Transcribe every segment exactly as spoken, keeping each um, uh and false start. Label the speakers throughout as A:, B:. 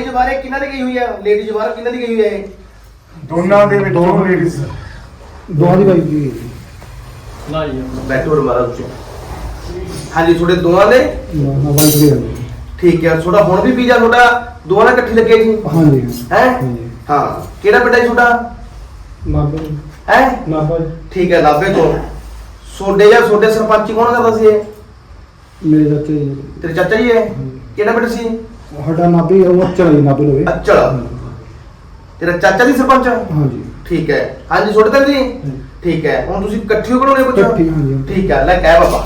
A: Ladies ਬਾਰੇ ਕਿਹਨਾਂ ਦੀ ਗਈ ਹੋਈ ਹੈ? ਲੇਡੀਜ਼ ਬਾਰੇ ਕਿਹਨਾਂ ਦੀ ਗਈ ਹੋਈ ਹੈ?
B: ਦੋਨਾਂ ਦੇ ਵਿੱਚ ਦੋ ਲੇਡੀਜ਼
C: ਦੋਹਾਂ ਦੀ ਬਾਈ ਜੀ
D: ਨਾ ਜੀ
A: ਬੈਠੋ ਮਾਰਾ ਤੁਸੀਂ। ਹਾਂਜੀ ਤੁਹਾਡੇ ਦੋਵਾਂ ਦੇ
C: ਨਾ ਬਾਈ ਜੀ
A: ਠੀਕ ਹੈ। ਤੁਹਾਡਾ ਹੁਣ ਵੀ ਵੀਜ਼ਾ ਤੁਹਾਡਾ ਦੋਵਾਂ ਨਾਲ ਇਕੱਠੀ ਲੱਗੇ ਜੀ?
C: ਹਾਂਜੀ
A: ਹੈ
C: ਹਾਂਜੀ
A: ਹਾਂ। ਕਿਹੜਾ ਪਿੰਡ ਹੈ ਜੀ ਤੁਹਾਡਾ?
C: ਨਾਭੇ
A: ਹੈ
C: ਨਾਭਾ
A: ਠੀਕ ਹੈ ਨਾਭੇ ਤੋਂ। ਤੁਹਾਡੇ ਜਾਂ ਤੁਹਾਡੇ ਸਰਪੰਚ ਕੌਣ ਕਰਦਾ ਸੀ ਇਹ?
C: ਮੇਰੇ ਚਾਚੇ ਜੀ
A: ਤੇਰੇ ਚਾਚਾ ਜੀ ਹੈ? ਕਿਹੜਾ ਪਿੰਡ ਸੀ?
C: ਸਾਡਾ ਨਾਭੇ ਉਹ ਚਲਾ ਜੀ ਨਾਭੇ ਲੋਵੇ
A: ਅੱਛਾ ਤੇਰਾ ਚਾਚਾ ਦੀ ਸਰਪੰਚ?
C: ਹਾਂਜੀ
A: ਠੀਕ ਹੈ। ਹਾਂਜੀ ਤੁਹਾਡੇ ਤਾਂ ਜੀ ਠੀਕ ਹੈ। ਹੁਣ ਤੁਸੀਂ ਇਕੱਠੀ ਬਣਾਉਣੇ ਕੁਝ?
C: ਇਕੱਠੀ, ਹਾਂਜੀ।
A: ਠੀਕ ਹੈ ਲੈ ਕਹਿ ਬਾਬਾ।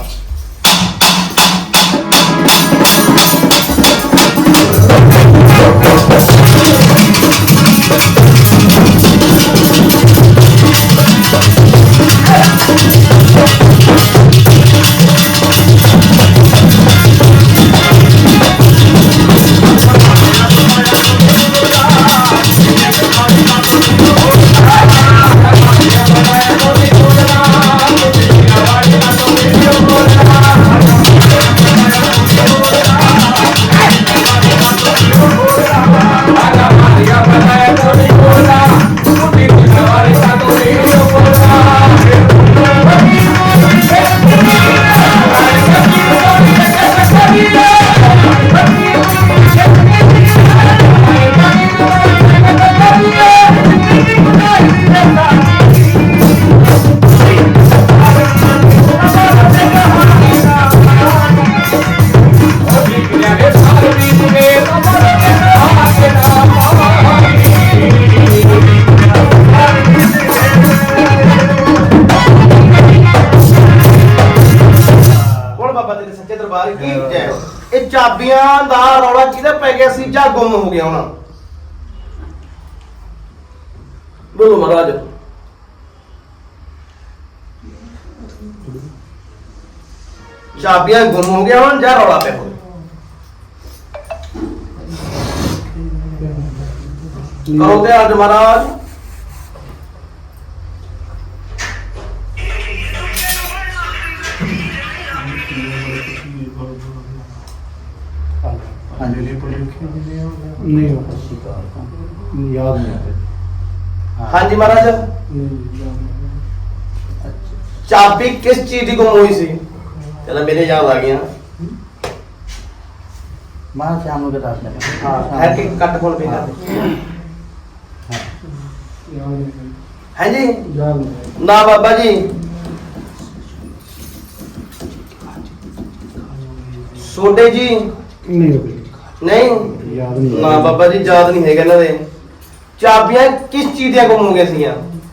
A: ਇਹ ਚਾਬੀਆਂ ਦਾ ਰੌਲਾ ਕਿਹਦਾ ਪੈ ਗਿਆ ਸੀ ਜਾਂ ਗੁੰਮ ਹੋ ਗਿਆ ਹੁਣ? ਬੋਲੋ ਮਹਾਰਾਜ। ਚਾਬੀਆਂ ਗੁੰਮ ਹੋ ਗਿਆ ਹੁਣ ਜਾਂ ਰੌਲਾ ਪਿਆ ਹੁਣ? ਕਰੋ ਤੇ ਅੱਜ ਮਹਾਰਾਜ।
C: ਨਹੀਂ ਯਾਦ ਨਹੀਂ ਆਇਆ।
A: ਹਾਂਜੀ ਮਹਾਰਾਜ ਚਾਬੀ ਕਿਸ ਚੀਜ਼ ਦੀ ਗੁੰਮ ਹੋਈ ਸੀ? ਚਲ ਮੇਰੇ ਯਾਦ ਆ ਗਿਆ।
E: ਮਾਂ ਸ਼ਾਮ ਨੂੰ ਬਤਾ ਦੇ।
A: ਹਾਂ ਹੈ ਕਿ ਕੱਟ ਫੋਨ ਪੇ ਕਰ ਹੈ ਜੀ
C: ਯਾਦ ਨਹੀਂ
A: ਨਾ ਬਾਬਾ ਜੀ। ਸੋਡੇ ਜੀ
C: ਨਹੀਂ ਹੋ ਗਈ
A: ਨਹੀਂ
C: ਯਾਦ ਨਹੀਂ
A: ਨਾ ਬਾਬਾ ਜੀ ਯਾਦ ਨਹੀਂ ਹੈਗਾ ਇਹਨਾਂ ਦੇ। ਚਾਬੀਆਂ ਕਿਸ ਚੀਜ਼ ਦੀਆਂ ਗੁੰਮ ਹੋ ਗਈਆਂ ਸੀਗੀਆਂ?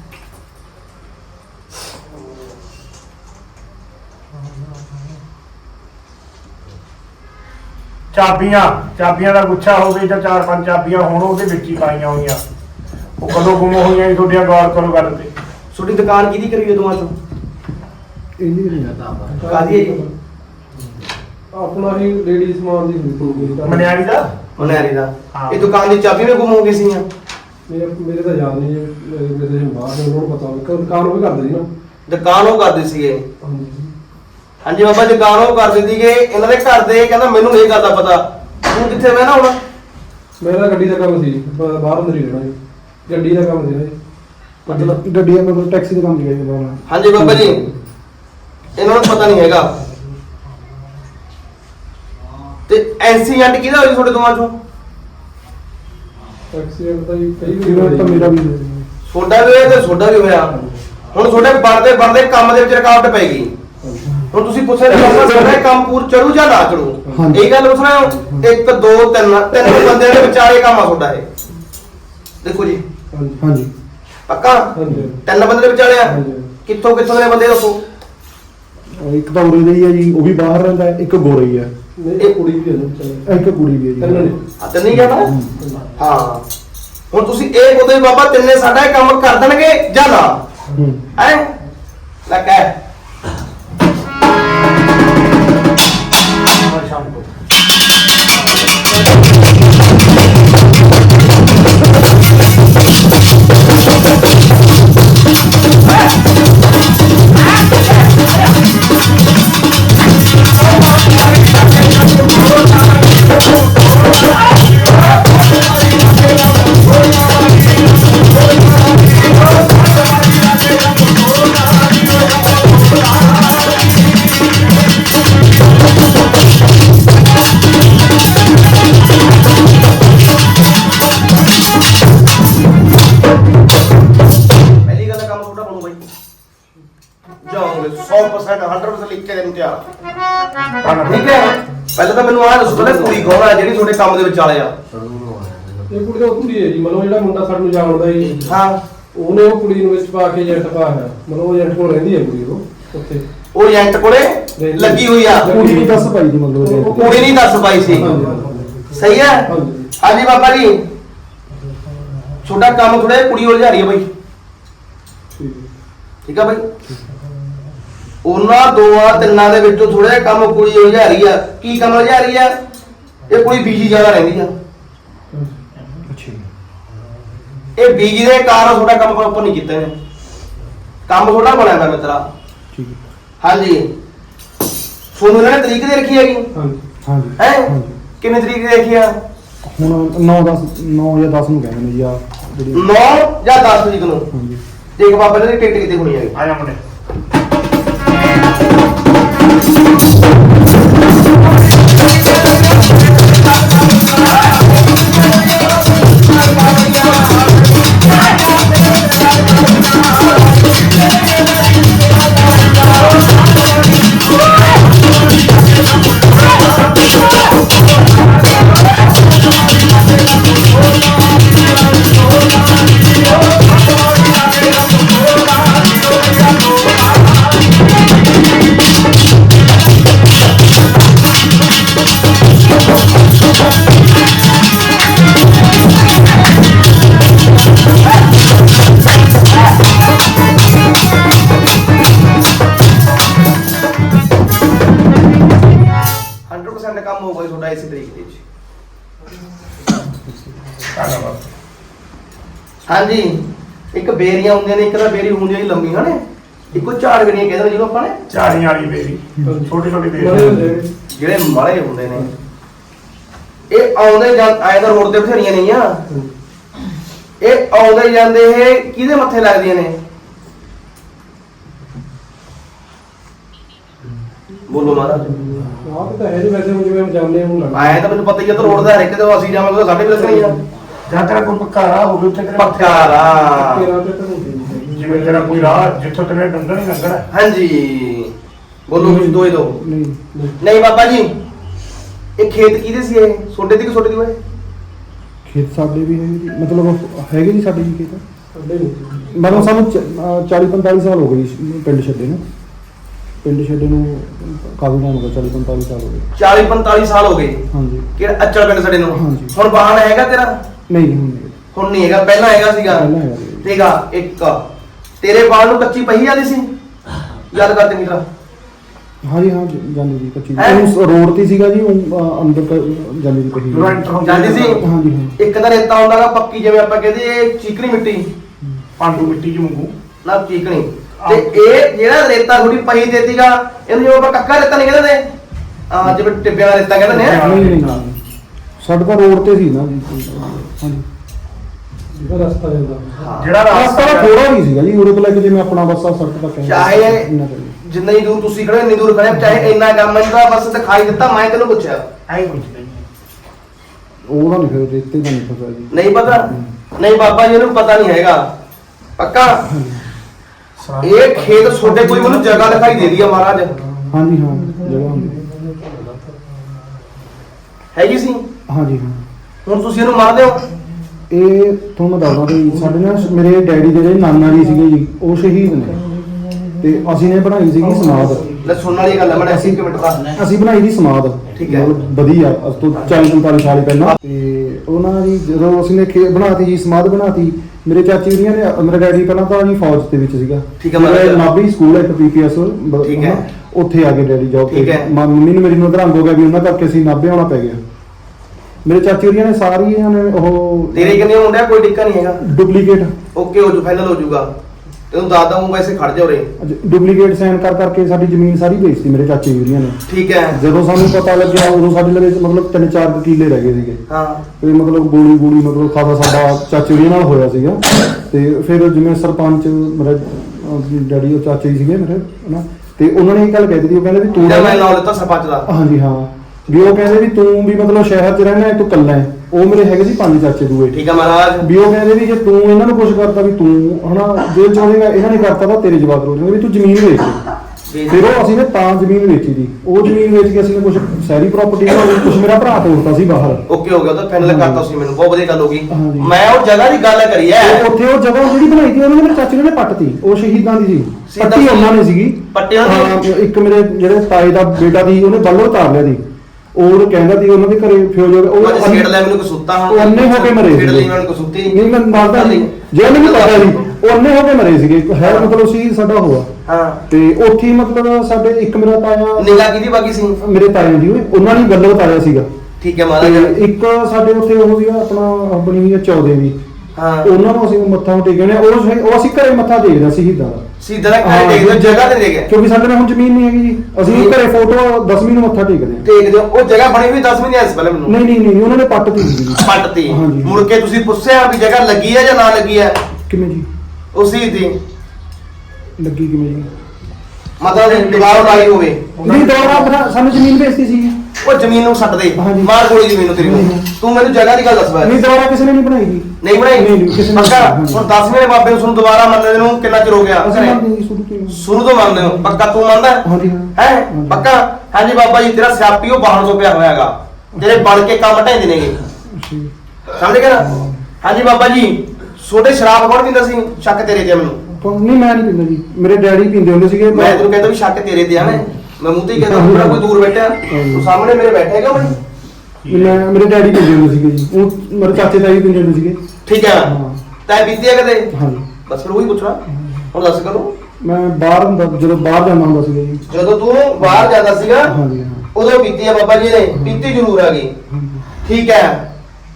B: ਚਾਬੀਆਂ ਚਾਬੀਆਂ ਦਾ ਗੁੱਛਾ ਹੋਵੇ ਜਾਂ ਚਾਰ ਪੰਜ ਚਾਬੀਆਂ ਹੋਣ ਉਹਦੇ ਵਿੱਚ ਹੀ ਪਾਈਆਂ ਹੋਈਆਂ। ਉਹ ਕਦੋਂ ਗੁੰਮ ਹੋਈਆਂ ਜੀ ਤੁਹਾਡੀਆਂ ਗੌਰ ਕਰੋ ਗੱਲ ਤੇ।
A: ਤੁਹਾਡੀ ਦੁਕਾਨ ਕਿਹਦੀ ਕਰੀ ਹੋਈ ਦੋਵਾਂ ਚੋਂ?
C: ਇਹ ਨਹੀਂ ਨਹੀਂ
A: ਕਾਹਦੀ ਹੈ ਜੀ?
C: ਆਪਣਾ ਹੀ ਲੇਡੀ ਸਮਾਨ ਦੀ ਹੋਈ
B: ਮਨਿਆਰੀ ਦਾ
A: ਮਨਿਆਰੀ ਦਾ।
B: ਹਾਂ।
A: ਇਹ ਦੁਕਾਨ ਦੀ ਚਾਬੀ ਵੀ ਗੁੰਮ ਹੋ ਗਈ ਸੀਗੀਆਂ?
C: ਮੇਰੇ ਮੇਰੇ ਤਾਂ ਯਾਦ ਨਹੀਂ ਮੇਰੇ ਬਾਹਰ ਉਹਨਾਂ ਨੂੰ ਪਤਾ ਹੋਵੇ ਕਾਰ ਉਹ ਵੀ ਕਰਦੇ ਸੀ ਨਾ।
A: ਦੁਕਾਨ ਉਹ ਕਰਦੇ ਸੀਗੇ?
C: ਹਾਂਜੀ
A: ਹਾਂਜੀ ਬਾਬਾ ਦੁਕਾਨ ਉਹ ਕਰਦੇ ਸੀਗੇ। ਇਹਨਾਂ ਦੇ ਘਰ ਦੇ ਕਹਿੰਦਾ ਮੈਨੂੰ ਇਹ ਗੱਲ ਦਾ ਪਤਾ। ਤੂੰ ਕਿੱਥੇ ਮੈਂ ਨਾ ਹੁਣ?
C: ਮੇਰਾ ਗੱਡੀ ਦਾ ਕੰਮ ਸੀ ਬਾਹਰ ਅੰਦਰ ਹੀ ਰਹਿਣਾ ਜੀ। ਗੱਡੀ ਦਾ ਕੰਮ ਸੀ ਨਾ ਜੀ।
A: ਮਤਲਬ
C: ਗੱਡੀ ਦਾ ਮਤਲਬ ਟੈਕਸੀ ਦਾ ਕੰਮ ਕੀਤਾ ਜੀ ਬਾਹਰ।
A: ਹਾਂਜੀ ਬਾਬਾ ਜੀ ਇਹਨਾਂ ਨੂੰ ਪਤਾ ਨਹੀਂ ਹੈਗਾ। ਤੇ ਐਕਸੀਡੈਂਟ ਕਿਹਦਾ ਹੋਈ ਤੁਹਾਡੇ ਦੋਵਾਂ ਚੋਂ?
C: ਐਕਸੀਡੈਂਟ ਤਾਂ ਜੀ ਕਈ ਵਾਰ ਤਾਂ ਮੇਰਾ ਵੀ
A: ਤੁਹਾਡਾ ਵੀ ਹੋਇਆ ਤੇ ਤੁਹਾਡਾ ਵੀ ਹੋਇਆ। ਹੁਣ ਤੁਹਾਡੇ ਬਣਦੇ ਬਣਦੇ ਕੰਮ ਦੇ ਵਿੱਚ ਰੁਕਾਵਟ ਪੈ ਗਈ। ਹੁਣ ਤੁਸੀਂ ਪੁੱਛ ਰਹੇ ਹੋ ਤੁਹਾਡਾ ਕੰਮ ਪੂਰ ਚੜੂ ਜਾਂ ਨਾ ਚੜੂ? ਇਹ ਗੱਲ ਪੁੱਛ ਰਹੇ ਹੋ? ਇੱਕ ਦੋ ਤਿੰਨ ਤਿੰਨ ਬੰਦਿਆਂ ਦੇ ਵਿਚਾਲੇ ਕੰਮ ਆ ਤੁਹਾਡਾ ਇਹ। ਦੇਖੋ ਜੀ
C: ਹਾਂਜੀ
A: ਪੱਕਾ
C: ਹਾਂਜੀ
A: ਤਿੰਨ ਬੰਦੇ ਦੇ ਵਿਚਾਲੇ ਆ।
C: ਹਾਂਜੀ।
A: ਕਿੱਥੋਂ ਕਿੱਥੋਂ ਦੇ ਬੰਦੇ ਦੱਸੋ?
C: ਇੱਕ ਤਾਂ ਉਰੇ ਦਾ ਹੀ ਹੈ ਜੀ, ਉਹ ਵੀ ਬਾਹਰ ਰਹਿੰਦਾ ਹੈ। ਇੱਕ ਗੋਰਾ ਹੀ ਹੈ।
A: ਇਹ
C: ਕੁੜੀ ਵੀ ਹੈ। ਇੱਕ ਕੁੜੀ ਵੀ ਹੈ ਜੀ।
A: ਆ ਤਿੰਨ ਹੀ ਕਹਿੰਦਾ ਹਾਂ। ਹੁਣ ਤੁਸੀਂ ਇਹ ਬੋਲਦੇ ਬਾਬਾ ਤਿੰਨੇ ਸਾਡਾ ਇਹ ਕੰਮ ਕਰ ਦੇਣਗੇ ਜਾਂ ਨਾ? ਹੈ ਲੈ ਕਹਿ
B: ਸ਼ਾਮ ਨੂੰ।
A: Ah! ਤਰੀਕੇ ਦੇ ਮੁਤਿਆਰ
B: ਧੰਨਵਾਦ।
A: ਠੀਕ ਹੈ ਪਹਿਲਾਂ ਤਾਂ ਮੈਨੂੰ ਆਹ ਦੱਸੋ ਪਹਿਲਾਂ ਕੁੜੀ ਕੌਣ ਆ ਜਿਹੜੀ ਤੁਹਾਡੇ ਕੰਮ ਦੇ ਵਿੱਚ ਆਲੇ ਆ
C: ਇਹ ਕੁੜੀ ਤਾਂ ਕੁੜੀ ਹੈ ਜੀ ਮਤਲਬ ਜਿਹੜਾ ਮੁੰਡਾ ਸਾਨੂੰ ਜਾਣਦਾ ਜੀ
A: ਹਾਂ
C: ਉਹਨੇ ਉਹ ਕੁੜੀ ਨੂੰ ਵਿੱਚ ਪਾ ਕੇ ਏਜੰਟ ਪਾਇਆ ਮਤਲਬ ਉਹ ਏਜੰਟ ਕੋਲ ਰਹਿੰਦੀ ਹੈ ਕੁੜੀ ਉਹ ਉੱਥੇ
A: ਉਹ ਏਜੰਟ ਕੋਲੇ ਲੱਗੀ ਹੋਈ ਆ
C: ਕੁੜੀ ਨਹੀਂ ਦੱਸ
F: ਪਾਈ ਦੀ ਮਤਲਬ
C: ਉਹ
A: ਕੁੜੀ ਨਹੀਂ ਦੱਸ ਪਾਈ ਸੀ ਸਹੀ ਹੈ
C: ਹਾਂਜੀ
A: ਹਾਂਜੀ ਬਾਬਾ ਜੀ ਤੁਹਾਡਾ ਕੰਮ ਥੋੜਾ ਜਿਹਾ ਕੁੜੀ ਉਲਝਾ ਰਹੀ ਹੈ ਬਾਈ
C: ਠੀਕ ਹੈ
A: ਠੀਕ ਆ ਬਾਈ ਉਹਨਾਂ ਦੋਆਂ ਤਿੰਨਾਂ ਦੇ ਵਿੱਚੋਂ ਥੋੜਾ ਜਿਹਾ ਕੰਮ ਕੁੜੀ ਉਲਝਾ ਰਹੀ ਆ ਕੀ ਕੰਮ ਉਲਝਾ ਰਹੀ ਆ ਇਹ ਕੁੜੀ ਬੀਜੀ ਜ਼ਿਆਦਾ ਰਹਿੰਦੀ ਆ
F: ਅੱਛਾ
A: ਇਹ ਬੀਜੀ ਦੇ ਕਾਰਨ ਤੁਹਾਡਾ ਕੰਮ ਪ੍ਰੋਪਰ ਨਹੀਂ ਕੀਤਾ ਇਹਨੇ ਕੰਮ ਥੋੜਾ ਬਣਿਆ ਮੈਂ ਮਿੱਤਰਾ
F: ਠੀਕ ਹੈ
A: ਹਾਂਜੀ ਤੁਹਾਨੂੰ ਇਹਨਾਂ ਨੇ ਤਰੀਕ ਦੇ ਰੱਖੀ ਹੈਗੀ
C: ਹਾਂਜੀ
F: ਹਾਂਜੀ
A: ਹੈ
F: ਹਾਂਜੀ
A: ਕਿੰਨੇ ਤਰੀਕ ਦੇ ਰੱਖੀ ਆ
F: ਹੁਣ ਨੌ ਦਸ ਨੌ ਜਾਂ ਦਸ ਨੂੰ ਕਹਿੰਦੇ ਨੇ ਜੀ ਆ ਜਿਹੜੀ
A: ਨੌ ਜਾਂ ਦਸ ਤਰੀਕ ਨੂੰ
F: ਹਾਂਜੀ
A: ਦੇਖ ਬਾਬਾ ਜੀ ਦੀ ਟਿਕਟ ਕਿਤੇ ਹੋਣੀ ਹੈਗੀ
B: ਆ ਜਾ ਮੁੰਡੇ
A: ਹੰਡਰਡ ਪਰਸੈਂਟ ਕੰਮ ਹੋਊਗਾ ਜੀ ਤੁਹਾਡਾ ਇਸੇ ਤਰੀਕ ਦੇ ਵਿੱਚ
B: ਧੰਨਵਾਦ।
A: ਹਾਂਜੀ ਇੱਕ ਬੇਰੀਆਂ ਹੁੰਦੀਆਂ ਨੇ ਇੱਕ ਤਾਂ ਬੇਰੀ ਹੁੰਦੀ ਹੈ ਜੀ ਲੰਮੀ ਹਨੇ ਇੱਕੋ ਝਾੜ ਬੇਰੀਆਂ ਕਹਿੰਦੇ ਨੇ ਜਿਹਨੂੰ ਆਪਾਂ ਨੇ
B: ਝਾੜੀਆਂ ਵਾਲੀ ਬੇਰੀ ਛੋਟੀ ਛੋਟੀ
C: ਮਤਲਬ
B: ਬੇਰੀ
C: ਜਿਹੜੇ-
A: ਜਿਹੜੇ ਮਲੇ ਹੁੰਦੇ ਨੇ ਇਹ ਆਉਂਦੇ ਜਾਂ ਆਏ ਤਾਂ ਰੋਡ ਤੇ ਬਥੇਰੀਆਂ ਨਹੀਂ ਆ ਇਹ ਆਉਂਦੇ ਜਾਂਦੇ ਇਹ ਕਿਹਦੇ ਮੱਥੇ ਲੱਗਦੀਆਂ ਨੇ ਬੋਲੋ ਮਹਾਰਾਜ
C: ਆਪ ਤਾਂ ਹੈ ਨਹੀਂ ਵੈਸੇ ਹੁਣ ਜਿਵੇਂ हम ਜਾਂਦੇ ਹਾਂ ਹੁਣ ਲੱਗਦਾ
A: ਆਏ ਤਾਂ ਮੈਨੂੰ ਪਤਾ ਹੀ ਆ ਤਾਂ ਰੋਡ ਦਾ ਹਰ ਇੱਕ ਤੇ ਅਸੀਂ ਜਾਵਾਂਗੇ ਤਾਂ ਸਾਡੇ ਵੀ ਲੱਗਣੀ ਆ
B: ਜਾਂ ਤੇਰਾ ਕੋਈ ਪੱਕਾ ਰਾਹ ਹੋਵੇ ਉੱਥੇ ਤੇਰੇ
A: ਪੱਕਾ ਰਾ
C: ਤੇਰਾ ਤੇ ਤਾਂ ਹੁੰਦੀ ਨਹੀਂ
B: ਜਿਵੇਂ ਤੇਰਾ ਕੋਈ ਰਾਹ ਜਿੱਥੋਂ ਤੇਰੇ ਡੰਗਰ ਹੀ ਲੰਘਣਾ ਹੈ।
A: ਹਾਂਜੀ ਬੋਲੋ ਤੁਸੀਂ ਦੋਏ ਦੋ
F: ਨਹੀਂ
A: ਨਹੀਂ ਬਾਬਾ ਜੀ ਇਹ ਖੇਤ ਕਿਹਦੇ ਸੀ ਇਹ ਛੋਟੇ ਦੀ ਕਿ ਛੋਟੇ ਦੀ ਹੋਏ
F: ਖੇਤ ਸਾਡੇ ਵੀ ਹੈਗੇ ਜੀ ਮਤਲਬ ਹੈਗੇ ਜੀ ਸਾਡੇ ਵੀ ਖੇਤ
C: ਸਾਡੇ ਨਹੀਂ
F: ਮਤਲਬ ਸਾਨੂੰ ਚਾਲੀ ਪੰਤਾਲੀ ਸਾਲ ਹੋ ਗਏ ਜੀ ਪਿੰਡ ਛੱਡੇ ਨੂੰ ਪਿੰਡ ਛੱਡੇ ਨੂੰ ਕਾਫੀ ਟਾਈਮ ਹੋ ਗਿਆ ਚਾਲੀ ਪੰਤਾਲੀ ਸਾਲ ਹੋ ਗਏ
A: ਚਾਲੀ ਪੰਤਾਲੀ ਸਾਲ ਹੋ ਗਏ
F: ਹਾਂਜੀ
A: ਕਿਹੜਾ ਅੱਚਲ ਪਿੰਡ ਸਾਡੇ ਨੂੰ
F: ਹਾਂਜੀ।
A: ਹੁਣ ਵਾਹਨ ਹੈਗਾ ਤੇਰਾ
F: ਨਹੀਂ ਜੀ, ਹੁਣ ਨਹੀਂ
A: ਹੁਣ ਨਹੀਂ ਹੈਗਾ ਪਹਿਲਾਂ ਹੈਗਾ ਸੀਗਾ
F: ਪਹਿਲਾਂ ਹੈਗਾ ਜੀ।
A: ਠੀਕ ਆ ਇੱਕ ਤੇਰੇ ਵਾਹਨ ਨੂੰ ਕੱਚੀ ਪਹੀ ਜਾਂਦੀ ਸੀ ਯਾਦ ਕਰ ਚੰਗੀ ਤਰ੍ਹਾਂ
F: ਹਾਂਜੀ ਹਾਂ ਜ- ਜਾਂਦੀ ਜੀ ਕੱਚੀ
A: ਹੈਂ?
F: ਉਹ ਰੋਡ ਤੇ ਸੀਗਾ ਜੀ ਉਹ, ਅ, ਅੰਦਰ ਕ- ਜਾਂਦੀ ਜੀ ਕਹੀ
B: ਜਦੋਂ ਐਂਟਰ ਹੁੰਦੀ
A: ਜਾਂਦੀ ਸੀ?
F: ਹਾਂਜੀ ਹਾਂ
A: ਇੱਕ ਤਾਂ ਰੇਤਾ ਹੁੰਦਾਗਾ ਪੱਕੀ ਜਿਵੇਂ ਆਪਾਂ ਕਹਿੰਦੇ ਚੀਕਣੀ ਮਿੱਟੀ
B: ਪਾਂਡੂ ਮਿੱਟੀ ਚ ਮੰਗੂ
A: ਨਾ ਚੀਕਣੀ ਤੇ ਇਹ ਜਿਹੜਾ ਰੇਤਾ ਥੋੜੀ ਪਹੀ ਦੇਤੀਗਾ ਇਹਨੂੰ ਜਿਵੇਂ ਆਪਾਂ ਕੱਕਾ ਰੇਤਾ ਨਹੀਂ ਕਹਿੰਦੇ ਨੇ ਆ ਜਿਵੇਂ ਟਿੱਬਿਆਂ ਦਾ ਰੇਤਾ ਕਹਿੰਦੇ ਨੇ
F: ਨਹੀਂ ਨਹੀਂ ਨਹੀਂ ਸਾਡੇ ਤਾਂ ਰੋਡ ਤੇ ਸੀ ਨਾ ਜੀ ਹਾਂਜੀ
C: ਜਿਹੜਾ ਰਸਤਾ ਜਾਂਦਾ
B: ਜਿਹੜਾ
F: ਰਸਤਾ
B: ਰਾਸਤਾ
F: ਤਾਂ ਥੋੜਾ ਨਹੀਂ ਸੀਗਾ ਜੀ ਉਰੇ ਤੋਂ ਲੈ ਕੇ ਜਿਵੇਂ ਆਪਣਾ ਬੱਸਾ ਸੜਕ ਤੱਕ ਹੈ
A: ਚਾਹੇ
F: ਇੰਨਾ ਕੁ ਜੀ।
A: ਜਿੰਨਾ ਹੀ ਦੂਰ ਤੁਸੀਂ ਖੜੇ ਇੰਨੀ ਦੂਰ ਖੜੇ ਚਾਹੇ ਇੰਨਾ ਕੰਮ ਇਹਦਾ ਬਸ ਦਿਖਾਈ ਦਿੱਤਾ ਮੈਂ ਤੈਨੂੰ ਪੁੱਛਿਆ
B: ਐਂ ਪੁੱਛਦੇ
F: ਉਹਦਾ ਨਹੀਂ ਫਿਰ ਰੇਤੇ ਦਾ ਨਹੀਂ ਪਤਾ ਜੀ
A: ਨਹੀਂ ਪਤਾ ਨਹੀਂ ਬਾਬਾ ਜੀ ਨੂੰ ਪਤਾ ਨਹੀਂ ਹੈਗਾ ਪੱਕਾ ਇਹ ਖੇਤ ਛੋਟੇ ਕੋਈ ਮੈਨੂੰ ਜਗ੍ਹਾ ਦਿਖਾਈ ਦੇ ਰਹੀ ਆ ਮਹਾਰਾਜ
F: ਹਾਂਜੀ ਹਾਂ ਜਗ੍ਹਾ ਹੁੰਦੀ
A: ਹੈਗੀ ਸੀ
F: ਹਾਂਜੀ ਹਾਂ
A: ਹੁਣ ਤੁਸੀਂ ਇਹਨੂੰ ਮੰਨਦੇ ਹੋ
F: ਇਹ ਤੁਹਾਨੂੰ ਮੈਂ ਦੱਸਦਾ ਵੀ ਸਾਡੇ ਨਾਲ ਮੇਰੇ ਡੈਡੀ ਜਿਹੜੇ ਨਾਨਾ ਜੀ ਸੀਗੇ ਜੀ ਉਹ ਸ਼ਹੀਦ ਨੇ ਤੇ ਅਸੀਂ ਨੇ ਬਣਾਈ ਸੀਗੀ ਸਮਾਧ
A: ਲੈ ਸੁਣਨ ਵਾਲੀ ਗੱਲ ਹੈ ਮੈਂ ਅਸੀਂ ਇੱਕ ਮਿੰਟ ਦਾ
F: ਅਸੀਂ ਬਣਾਈ ਦੀ ਸਮਾਧ
A: ਠੀਕ ਹੈ।
F: ਮਤਲਬ ਵਧੀਆ ਅੱਜ ਤੋਂ ਚਾਲੀ ਪੰਤਾਲੀ ਸਾਲ ਪਹਿਲਾਂ ਤੇ ਉਹਨਾਂ ਦੀ ਜਦੋਂ ਅਸੀਂ ਨੇ ਖੇ- ਬਣਾਤੀ ਜੀ ਸਮਾਧ ਬਣਾਤੀ ਮੇਰੇ ਚਾਚੀ ਵੀਆਂ ਨੇ ਮੇਰੇ ਡੈਡੀ ਪਹਿਲਾਂ ਤਾਂ ਜੀ ਫੌਜ ਦੇ ਵਿੱਚ ਸੀਗਾ
A: ਠੀਕ ਹੈ,
F: ਮੇਰੇ
A: ਮਤਲਬ-
F: ਨਾਭੀ ਸਕੂਲ ਹੈ ਇੱਕ ਪੀਪੀਐਸ
A: ਠੀਕ ਹੈ।
F: ਉੱਥੇ ਆ ਗਏ ਡੈਡੀ ਜੌਬ
A: ਠੀਕ
F: ਤੇ
A: ਹੈ।
F: ਮਾਂ- ਮੰਮੀ ਨੂੰ ਮੇਰੀ ਨੂੰ ਅਧਰੰਗ ਹੋ ਗਿਆ ਵੀ ਉਹਨਾਂ ਕਰਕੇ ਅਸੀਂ ਨਾਭੇ ਆਉਣਾ ਪੈ ਗਿਆ ਮੇਰੇ ਚਾਚੀ ਵੀਆਂ ਨੇ ਸਾਰੀਆਂ ਨੇ ਉਹ
A: ਤੇਰੇ ਕਿੰਨੇ ਮੁੰਡੇ ਆ ਕੋਈ ਟਿੱਕਾ ਨਹੀਂ ਹੈਗਾ
F: ਡੁਪਲੀਕੇਟ
A: ਓਕੇ ਹੋ ਜੂ ਫਾਈਨਲ ਹੋ ਜੂਗਾ ਤੈਨੂੰ ਦੱਸਦਾ ਹੂੰ ਵੈਸੇ ਖੜ ਜਾ ਉਰੇ
F: ਡੁਪਲੀਕੇਟ ਸਾਈਨ ਕਰ ਕਰਕੇ ਸਾਡੀ ਜ਼ਮੀਨ ਸਾਰੀ ਵੇਚਤੀ ਮੇਰੇ ਚਾਚੇ ਵੀਰੀਆਂ ਨੇ
A: ਠੀਕ ਹੈ
F: ਜਦੋਂ ਸਾਨੂੰ ਪਤਾ ਲੱਗਿਆ ਉਦੋਂ ਸਾਡੇ ਲਵੇ ਮਤਲਬ ਤਿੰਨ ਚਾਰ ਕੁ ਕਿੱਲੇ ਰਹਿ ਗਏ ਸੀਗੇ
A: ਹਾਂ
F: ਤੇ ਮਤਲਬ ਗੋਲੀ ਗੋਲੀ ਮਤਲਬ ਖਾਦਾ ਸਾਡਾ ਚਾਚੇ ਵੀਰੀਆਂ ਨਾਲ ਹੋਇਆ ਸੀਗਾ ਤੇ ਫਿਰ ਜਿਵੇਂ ਸਰਪੰਚ ਮੇਰੇ ਅਹ, ਡੈਡੀ ਉਹ ਚਾਚੇ ਜੀ ਸੀਗੇ ਮੇਰੇ ਹਨਾ ਤੇ ਉਹਨਾਂ ਨੇ ਇਹ ਗੱਲ ਕਹਿ ਦਿੱਤੀ ਉਹ ਕਹਿੰਦੇ ਵੀ ਤੂੰ
A: ਜਿਹੜਾ ਮੈਂ ਨਾਮ ਦਿੱਤਾ ਸਰਪੰਚ ਦਾ
F: ਹਾਂਜੀ ਹਾਂ ਵੀ ਉਹ ਕਹਿੰਦੇ ਵੀ ਤੂੰ ਵੀ ਮਤਲਬ ਸ਼ਹਿਰ 'ਚ ਰਹਿਣਾ ਹੈ ਤੂੰ ਇਕੱਲਾ ਹੈ ਉਹ ਮੇਰੇ ਹੈਗੇ ਸੀ ਪੰਜ ਚਾਚੇ ਦੂਏ
A: ਠੀਕ ਹੈ ਮਹਾਰਾਜ
F: ਵੀ ਉਹ ਕਹਿੰਦੇ ਵੀ ਜੇ ਤੂੰ ਇਹਨਾਂ ਨੂੰ ਕੁਝ ਕਰਤਾ ਵੀ ਤੂੰ ਹਨਾ ਜੇਲ੍ਹ ਚ ਹੋਵੇਗਾ ਇਹਨਾਂ ਨੇ ਕਰਤਾ ਤਾਂ ਤੇਰੇ ਜਵਾਬ ਰੋਣਗੇ ਵੀ ਤੂੰ ਜ਼ਮੀਨ ਵੇਚ ਦੇ।
A: ਵੇਚ-
F: ਫਿਰ ਉਹ ਅਸੀਂ ਨੇ ਤਾਂ ਜ਼ਮੀਨ ਵੇਚੀ ਦੀ, ਉਹ ਜ਼ਮੀਨ ਵੇਚ ਕੇ ਅਸੀਂ ਨੇ ਕੁਝ ਸ਼ਹਿਰੀ ਪ੍ਰਾਪਰਟੀ ਬਣਾਈ, ਕੁਝ ਮੇਰਾ ਭਰਾ ਤੋਰਤਾ ਸੀ ਬਾਹਰ।
A: ਓਕੇ ਹੋ ਗਿਆ, ਉਹ ਤਾਂ ਫਾਈਨਲ ਕਰਤਾ ਸੀ ਮੈਨੂੰ, ਬਹੁਤ ਵਧੀਆ ਗੱਲ ਹੋ ਗਈ।
F: ਹਾਂਜੀ।
A: ਮੈਂ ਉਹ ਜਗ੍ਹਾ ਦੀ ਗੱਲ ਕਰੀ ਐ,
F: ਤੇ ਉੱਥੇ ਉਹ ਜਗ੍ਹਾ ਜਿਹੜੀ ਬਣਾਈ ਸੀ ਉਹਨਾਂ ਨੇ ਮੇਰੇ ਚਾਚੇ ਨੇ ਪੱਟਤੀ, ਉਹ ਸ਼ਹੀਦਾਂ ਦੀ ਸੀ,
A: ਸ਼ਹੀਦਾਂ
F: ਪੱਟੀ
A: ਦੀ?
F: ਉਹਨਾਂ ਨੇ ਸੀਗੀ।
A: ਪੱਟੀ ਉਹਨਾਂ ਦੀ?
F: ਹਾਂ, ਇੱਕ ਮੇਰੇ ਜਿਹੜੇ ਤਾਏ ਦਾ ਬੇਟਾ ਸੀ ਉਹਨੇ ਬੱਲੋ ਉਤਾਰ ਲਿਆ ਸੀ, ਉਹ ਕਹਿੰਦਾ ਸੀ ਉਹਨਾਂ ਦੇ ਘਰੇ ਫਿਊਜ਼ ਹੋ ਗਿਆ,
A: ਉਹ
F: ਉਹ
A: ਛੇੜ ਲੈ ਮੈਨੂੰ ਕੋ ਸੁੱਤਾ ਹੁਣ,
F: ਉਹ ਅੰਨੇ ਹੋ ਕੇ ਮਰੇ
A: ਛੇੜ
F: ਸੀਗੇ।
A: ਲਈ ਮੈਨੂੰ ਕੋ ਸੁੱਤੀ
F: ਨਹੀਂ ਮੈਂ ਦੱਸਦਾ ਨਹੀਂ, ਜੇ ਮੈਨੂੰ ਪਤਾ ਸੀ ਉਹ ਅੰਨੇ ਹੋ ਕੇ ਮਰੇ ਸੀਗੇ, ਹੈ ਮਤਲਬ ਸੀ ਸਾਡਾ ਹੋਆ।
A: ਹਾਂ।
F: ਤੇ ਉੱਥੇ ਹੀ ਮਤਲਬ ਸਾਡੇ ਇੱਕ ਮੇਰਾ ਤਾਇਆ,
A: ਨਿਗਾਹ ਕਿਹਦੀ ਬਾਕੀ ਸੀ?
F: ਮੇਰੇ ਤਾਏ ਦੀ ਹੋਏ, ਉਹਨਾਂ ਨੇ ਬੱਲੋ ਉਤਾਰਿਆ ਸੀਗਾ।
A: ਠੀਕ ਹੈ
F: ਤੇ
A: ਮਹਾਰਾਜ।
F: ਇੱਕ ਸਾਡੇ ਉੱਥੇ ਉਹ ਵੀ ਆਪਣਾ ਬਣੀ ਹੋਈ ਆ ਚੌਦੇ ਦੀ,
A: ਹਾਂ।
F: ਉਹਨਾਂ ਨੂੰ ਅਸੀਂ ਮੱਥਾ ਟੇਕਣੇ, ਉਹ ਉਹ ਅਸੀਂ ਘਰੇ ਮੱਥਾ ਟੇਕਦੇ ਸੀ ਸ਼ਹੀਦਾਂ ਦਾ।
A: ਸਿੱਧਾ ਦਾ ਘਰ ਟੇਕ ਦਿਓ, ਜਗ੍ਹਾ ਤੇ ਦੇ ਗਿਆ
F: ਕਿਉਂਕਿ ਸਾਡੇ ਨਾਲ ਹੁਣ ਜ਼ਮੀਨ ਨਹੀਂ ਹੈਗੀ ਜੀ, ਅਸੀਂ ਘਰੇ ਫੋਟੋ ਦਸਵੀਂ ਨੂੰ ਮੱਥਾ ਟੇਕਦੇ ਹਾਂ।
A: ਟੇਕ ਦਿਓ, ਉਹ ਜਗ੍ਹਾ ਬਣੀ ਹੋਈ ਦਸਵੀਂ ਦੀ ਐਸ ਪਹਿਲੇ ਮੈਨੂੰ
F: ਨਹੀਂ ਨਹੀਂ ਨਹੀਂ ਉਹਨਾਂ ਨੇ ਪੱਟ ਤੀ ਸੀ ਜੀ।
A: ਪੱਟਤੀ।
F: ਹਾਂਜੀ।
A: ਮੁੜ ਕੇ ਤੁਸੀਂ ਪੁੱਛਿਆ ਵੀ ਜਗ੍ਹਾ ਲੱਗੀ ਹੈ ਜਾਂ ਨਾ ਲੱਗੀ ਹੈ?
F: ਕਿਵੇਂ ਜੀ
A: ਉਸੀ ਦੀ
F: ਲੱਗੀ ਕਿਵੇਂ ਜੀ?
A: ਮਤਲਬ ਦੀਵਾਰ ਲਾਈ ਹੋਵੇ,
F: ਨਹੀਂ ਦੁਬਾਰਾ ਫਿਰ ਸਾਨੂੰ ਜ਼ਮੀਨ ਵੇਚਤੀ ਸੀ ਜੀ।
A: ਉਹ ਜ਼ਮੀਨ ਨੂੰ ਸੱਟ ਦੇ,
F: ਹਾਂਜੀ।
A: ਮਾਰ ਗੋਲੀ ਜ਼ਮੀਨ ਨੂੰ ਤੇਰੀ ਨੂੰ।
F: ਹਾਂਜੀ।
A: ਤੂੰ ਮੈਨੂੰ ਜਗ੍ਹਾ ਦੀ ਗੱਲ ਦੱਸ ਬੈ।
F: ਨਹੀਂ ਦੁਬਾਰਾ ਕਿਸੇ ਨੇ ਨਹੀਂ ਬਣਾਈ ਜੀ।
A: ਨਹੀਂ ਬਣਾਈ?
F: ਨਹੀਂ, ਨਹੀਂ, ਕਿਸੇ ਨੇ
A: ਪੱਕਾ?
F: ਹਾਂਜੀ।
A: ਹੁਣ ਦਸਵੇਂ ਦੇ ਬਾਬੇ ਨੂੰ ਤੁਹਾਨੂੰ ਦੁਬਾਰਾ ਮੰਨਣ ਨੂੰ ਕਿੰਨਾ ਚਿਰ ਹੋ ਗਿਆ?
F: ਅਸੀਂ ਮੰਨਦੇ ਜੀ ਸ਼ੁਰੂ ਤੋਂ ਹੀ।
A: ਸ਼ੁਰੂ ਤੋਂ ਮੰਨਦੇ ਹੋ? ਪੱਕਾ ਤੂੰ ਮੰਨਦਾ ਹੈ?
F: ਹਾਂਜੀ ਹਾਂ।
A: ਹੈ ਪੱਕਾ? ਹਾਂਜੀ ਬਾਬਾ ਜੀ, ਤੇਰਾ ਸਿਆਪੀ ਉਹ ਬਾਹਰ ਤੋਂ ਪਿਆ ਹੋਇਆਗਾ, ਤੇਰੇ ਬਣ ਕੇ ਕੰਮ ਢਾਈਂਦੇ ਨੇਗੇ,
F: ਅੱਛਾ ਜੀ।
A: ਸਮਝ ਗਿਆ ਨਾ? ਹਾਂਜੀ ਬਾਬਾ ਜੀ, ਛੋਟੇ ਸ਼ਰਾਬ ਕੌਣ ਪੀਂਦਾ ਸੀ? ਸ਼ੱਕ ਤੇਰੇ ਤੇ ਮੈਨੂੰ।
F: ਪਰ ਨਹੀਂ ਮੈਂ ਨਹੀਂ ਪੀਂਦਾ ਜੀ, ਮੇਰੇ ਡੈਡੀ ਪੀਂਦੇ ਹੁੰਦੇ ਸੀਗੇ।
A: ਮੈਂ ਤੈਨੂੰ ਕਹਿੰਦਾ ਵੀ ਸ਼ੱਕ ਤੇਰੇ ਤੇ ਆ ਨਾ, ਮੈਂ ਮੂੰਹ ਤੇ ਹੀ ਕਹਿੰਦਾ, ਮੇਰਾ ਕੋਈ ਦੂਰ ਬੈਠਾ, ਤੂੰ ਸਾਹਮਣੇ ਮੇਰੇ ਬੈਠਾ ਹੈਗਾ ਬਈ।
F: ਮੈਂ ਮੇਰੇ ਡੈਡੀ ਪੀਂਦੇ ਹੁੰਦੇ ਸੀਗੇ ਜੀ, ਉਹ ਮੇਰੇ ਚਾਚੇ ਤਾਈ ਪੀਂਦੇ ਹੁੰਦੇ ਸੀਗੇ।
A: ਠੀਕ ਹੈ,
F: ਹਾਂ।
A: ਤੈਂ ਪੀਤੀ ਹੈ ਕਦੇ?
F: ਹਾਂਜੀ।
A: ਬਸ ਫਿਰ ਉਹੀ ਪੁੱਛਣਾ, ਹੁਣ ਦੱਸ ਕਰੋ।
F: ਮੈਂ ਬਾਹਰ ਹੁੰਦਾ, ਜਦੋਂ ਬਾਹਰ ਜਾਂਦਾ ਹੁੰਦਾ ਸੀਗਾ ਜੀ।
A: ਜਦੋਂ ਤੂੰ ਬਾਹਰ ਜਾਂਦਾ ਸੀਗਾ
F: ਹਾਂਜੀ ਹਾਂ।
A: ਉਦੋਂ ਪੀਤੀ ਹੈ ਬਾਬਾ ਜੀ ਨੇ? ਪੀਤੀ ਜ਼ਰੂਰ ਆ ਗਈ।
F: ਹਾਂਜੀ।
A: ਠੀਕ ਹੈ,